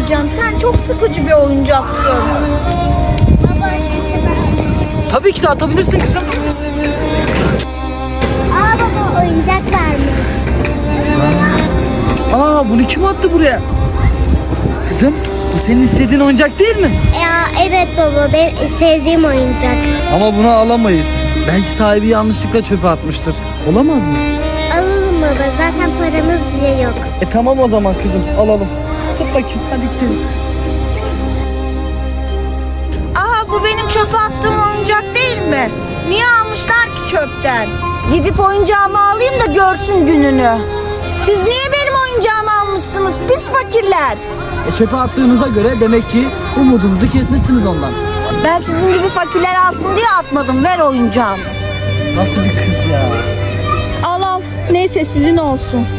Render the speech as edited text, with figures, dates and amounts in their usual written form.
alacağım. Sen çok sıkıcı bir oyuncaksın. Baba şu çöpe. Tabii ki de atabilirsin kızım. Aa baba oyuncak varmış. Aa, bunu kim attı buraya? Kızım, bu senin istediğin oyuncak değil mi? Ya evet baba, ben sevdiğim oyuncak. Ama bunu alamayız. Belki sahibi yanlışlıkla çöpe atmıştır. Olamaz mı? Alalım baba, zaten paramız bile yok. Tamam o zaman kızım, alalım. Tut bakayım, hadi gidelim. Aha, bu benim çöpe attığım oyuncak değil mi? Niye almışlar ki çöpten? Gidip oyuncağımı alayım da görsün gününü. Siz niye benim oyuncağımı almışsınız pis fakirler? Çöpe attığınıza göre demek ki umudunuzu kesmişsiniz ondan. Ben sizin gibi fakirler alsın diye atmadım. Ver oyuncağımı. Nasıl bir kız ya? Al al. Neyse sizin olsun.